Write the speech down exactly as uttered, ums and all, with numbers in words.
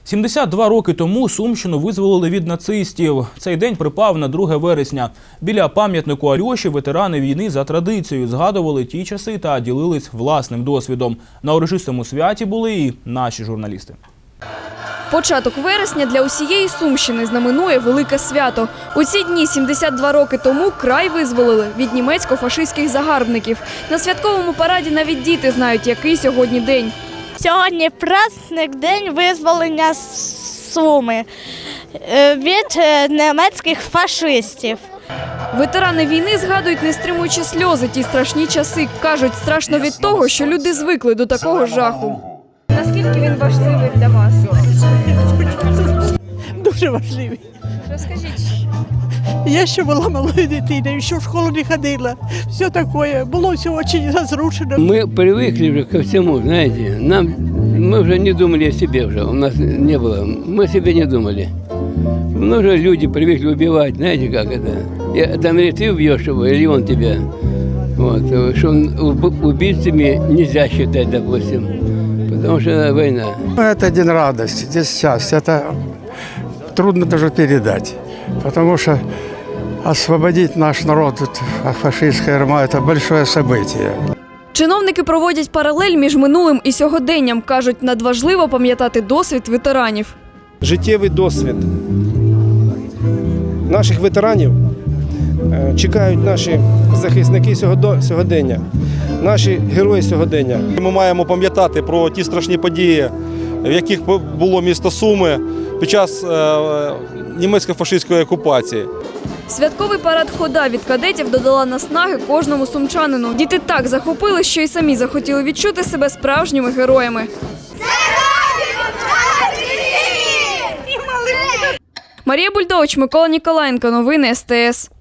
сімдесят два роки тому Сумщину визволили від нацистів. Цей день припав на друге вересня. Біля пам'ятнику Альоші ветерани війни за традицією згадували ті часи та ділились власним досвідом. На урочистому святі були і наші журналісти. Початок вересня для усієї Сумщини знаменує велике свято. У ці дні сімдесят два роки тому край визволили від німецько-фашистських загарбників. На святковому параді навіть діти знають, який сьогодні день. Сьогодні праздник День визволення Суми від німецьких фашистів. Ветерани війни згадують, не стримуючи сльози, ті страшні часи. Кажуть, страшно від того, що люди звикли до такого жаху. Наскільки він важливий для вас? Дуже важливий. Розкажіть. Я ще була малою дитиною, ще в школу не ходила. Все таке, було все дуже розрушено. Мы привыкли уже ко всему, знаете. Нам, мы уже не думали о себе уже, у нас не было. Мы о себе не думали. Ну, уже люди привыкли убивать, знаете, как это. И, там или ты убьешь его, или он тебя. Вот. Что убийцами нельзя считать, допустим, потому что это война. Это день радости, здесь счастье. Это трудно даже передать, потому что освободить наш народ от фашистской ярма – это большое событие. Чиновники проводять паралель між минулим і сьогоденням. Кажуть, надважливо пам'ятати досвід ветеранів. Життєвий досвід наших ветеранів чекають наші захисники сьогодення, наші герої сьогодення. Ми маємо пам'ятати про ті страшні події, в яких було місто Суми під час німецько-фашистської окупації. Святковий парад хода від кадетів додала наснаги кожному сумчанину. Діти так захопили, що й самі захотіли відчути себе справжніми героями. Марія Бульдович, Микола Ніколаєнко. Новини ес те ес.